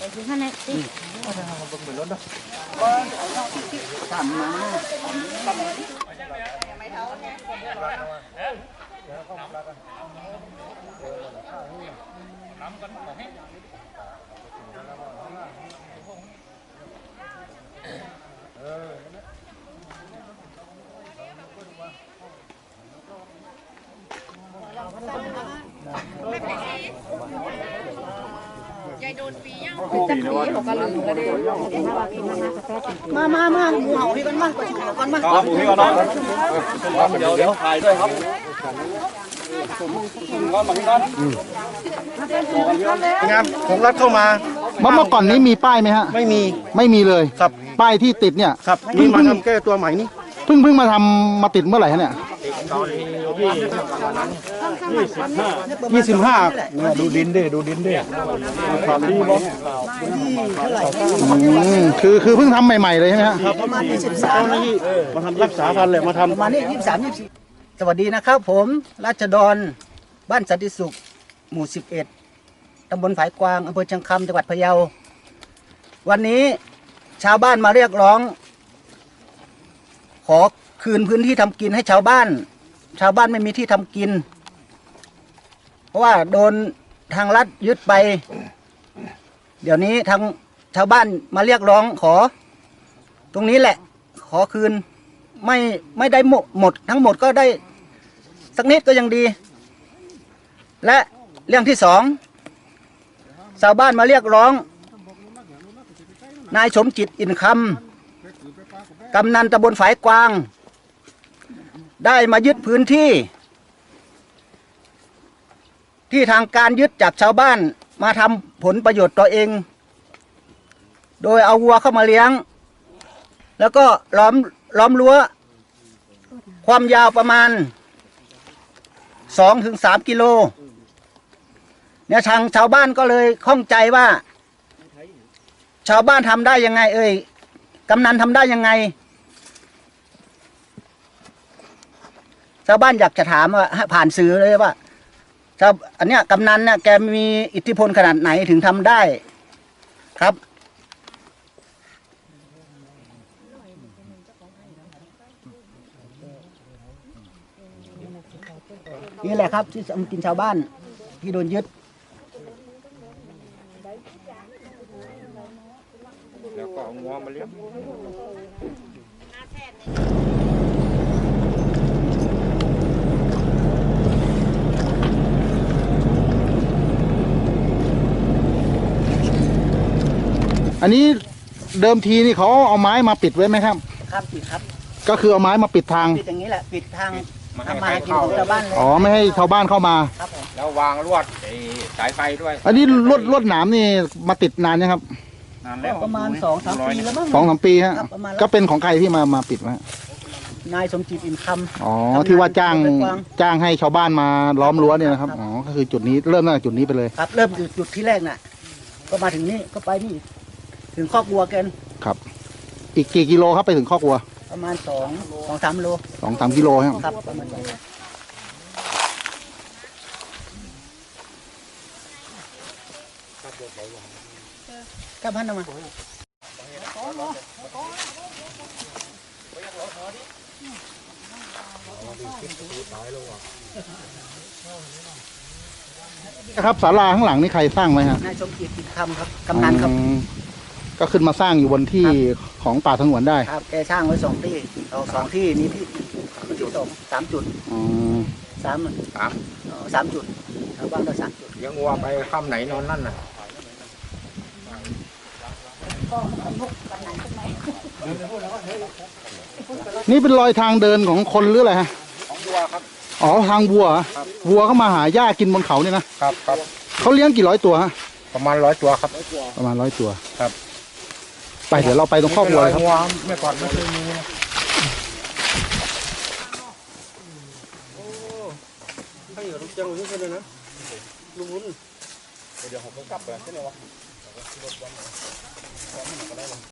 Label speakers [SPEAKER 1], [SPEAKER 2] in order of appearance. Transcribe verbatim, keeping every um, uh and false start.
[SPEAKER 1] คือท่านเนี่ยสิทำมามามามาหมูเห่าพี่กันมาประชุมกันมาหมูพี่กันเนาะเดี๋ยวเดี๋ยวถ่ายด้วยครับก้อนมาพี่ก้อนงานผมรัดเข้ามาเมื่อก่อนนี้มีป้ายไหมฮะไม่มีไม่มีเลยครับป้ายที่ติดเนี่ยครับเพิ่งมาทำแก้ตัวใหม่นี่เพิ่งเพิ่งมาทำมาติดเมื่อไหร่ฮะเนี่ยยี่สิบห้าดูดินดิดูดินดิความดีบ่คือคือเพิ่งทำใหม่ๆเลยใช่ไหมฮะประมาณยี่สิบสามนี่มาทำรักษาพันธุ์เลยมาทำประมาณนี้ยี่สิบสามยี่สิบสวัสดีนะครับผมราชดรบ้านสันติสุขหมู่สิบเอ็ดตำบลฝายกวางอำเภอเชียงคำจังหวัดพะเยาวันนี้ชาวบ้านมาเรียกร้องขอคืนพื้นที่ทำกินให้ชาวบ้านชาวบ้านไม่มีที่ทำกินเพราะว่าโดนทางรัฐยึดไปเดี๋ยวนี้ทางชาวบ้านมาเรียกร้องขอตรงนี้แหละขอคืนไม่ไม่ได้หมดทั้งหมดก็ได้สักนิดก็ยังดีและเรื่องที่สองชาวบ้านมาเรียกร้องนายสมจิตอินคำกำนันตำบลฝายกวางได้มายึดพื้นที่ที่ทางการยึดจากชาวบ้านมาทำผลประโยชน์ตัวเองโดยเอาวัวเข้ามาเลี้ยงแล้วก็ล้อมล้อมรั้วความยาวประมาณสองถึงสามกิโลเนี่ยทางชาวบ้านก็เลยข้องใจว่าชาวบ้านทำได้ยังไงเอ่ยกำนันทำได้ยังไงชาวบ้านอยากจะถามว่าผ่านสื่อเลยว่าชาวอันเนี้ยกำนันเนี่ยแกมีอิทธิพลขนาดไหนถึงทำได้ครับนี่แหละครับที่ทำกินชาวบ้านที่โดนยึดแล้วก็เอางัวมาเลี้ยงอันนี้เดิมทีนี่เขาเอาไม้มาปิดไว้ไหมครับครับปิดครับก็คือเอาไม้มาปิดทางปิดอย่างนี้แหละปิดทางทำมากินของชาวบ้านเลยอ๋อไม่ให้ชาวบ้านเข้ามาครับแล้ววางลวดสายไฟด้วยอันนี้ลวดลวดหนามนี่มาติดนานยังครับนานแล้วประมาณสองสามปีแล้วมั้งสองสามปีฮะก็เป็นของใครที่มามาปิดไว้นายสมจิตอินคำอ๋อที่ว่าจ้างจ้างให้ชาวบ้านมาล้อมรั้วเนี่ยนะครับอ๋อก็คือจุดนี้เริ่มตั้งแต่จุดนี้ไปเลยครับเริ่มจุดจุดที่แรกน่ะก็มาถึงนี่ก็ไปนี่ถึงคอกวัวกันครับอีกกี่กิโลครับไปถึงคอกวัวประมาณสองสองสามโลสองสามกิโลครับประมาณนี้ครับพันออกมาครับศาลาข้างหลังนี่ใครสร้างไหมครับนายสมจิตอินคำครับกำนันครับก็ขึ้นมาสร้างอยู่บนที่ของป่าสงวนได้ครับแกสร้างไว้สองที่เอาสองที่นี้ที่ที่สองสามจุดสามสามสามจุดชาวบ้านก็สามจุดยังวัวไปค่ำไหนนอนนั่นน่ะนี่เป็นรอยทางเดินของคนหรืออะไรฮะของวัวครับอ๋อทางวัววัวเข้ามาหาหญ้ากินบนเขาเนี่ยนะครับครับเขาเลี้ยงกี่ร้อยตัวฮะประมาณร้อยตัวครับประมาณร้อยตัวครับไปเดี๋ยวเราไปตรงครอบครัวเลยครับเมื่อก่อนไม่เคยมีให้เหรอลูกจังเลยใช่ไหมนะลุงวุ้นเดี๋ยวผมก็กลับไปใช่ไหมวะ